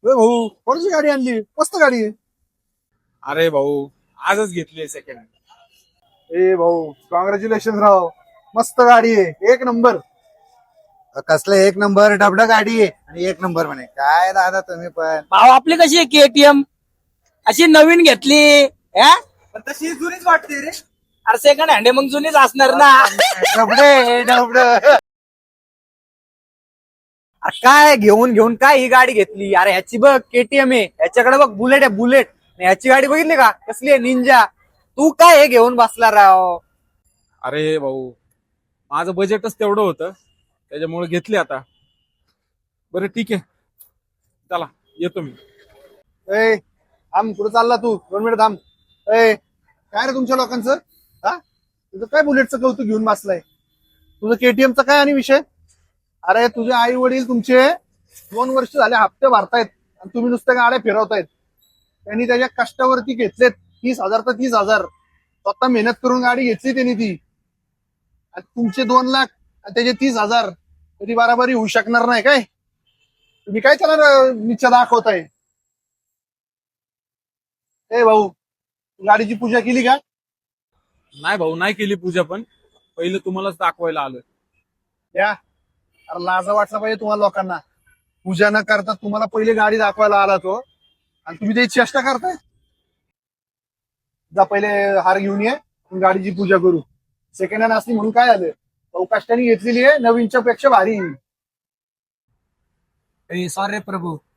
भाऊ कोणाची गाडी आणली? मस्त गाडी आहे. अरे भाऊ आजच घेतली सेकंड हँड. ए भाऊ कॉंग्रॅच्युलेशन राव. मस्त गाडी आहे, एक नंबर. कसलं एक नंबर डबडा गाडी आहे आणि एक नंबर म्हणे. काय दादा तुम्ही पण भाव आपली कशी आहे केटीएम अशी नवीन घेतली हा? पण तशी जुनीच वाटते रे. अरे सेकंड हँड मग जुनीच असणार ना. डबडे डबड. अरे काय घेऊन घेऊन काय ही गाडी घेतली? अरे ह्याची बघ केटीएम आहे, ह्याच्याकडे बघ बुलेट आहे बुलेट. ह्याची गाडी बघितली का कसली आहे? निंजा. तू काय हे घेऊन बसला राव? अरे भाऊ माझं बजेटच तेवढं होतं त्याच्यामुळे घेतली आता. बरं ठीक आहे चला येतो मी. ए थांब, कुठं चालला तू? 2 मिनिट थांब. ए काय रे तुमच्या लोकांचं? हा तुझं काय बुलेटचं कौतुक घेऊन बसलाय? तुझं केटीएमचा काय आणि विषय? अरे तुझे आई वडील तुमचे 2 वर्ष झाले हप्ते भरतायत आणि तुम्ही नुसत्या गाड्या फिरवतायत. त्यांनी त्याच्या कष्टावरती घेतलेत 30,000 तर 30,000. स्वतः मेहनत करून गाडी घेतली त्यांनी ती. आणि तुमचे 2 लाख आणि त्याचे 30,000 कधी बराबरी होऊ शकणार नाही काय? तुम्ही काय त्याला निश्चय दाखवताय? ए भाऊ गाडीची पूजा केली का? नाही भाऊ नाही केली पूजा, पण पहिलं तुम्हालाच दाखवायला आलोय. या अरे लाजा वाटला पाहिजे तुम्हाला लोकांना. पूजा न करता तुम्हाला पहिले गाडी दाखवायला आला तो आणि तुम्ही त्याची चेष्टा करताय. जा पहिले हार घेऊन ये, आपण गाडीची पूजा करू. सेकंड हँड असली म्हणून काय झालं? भाऊ कष्टाने घेतलेली आहे, नवीनच्या पेक्षा भारी. सॉरी प्रभू,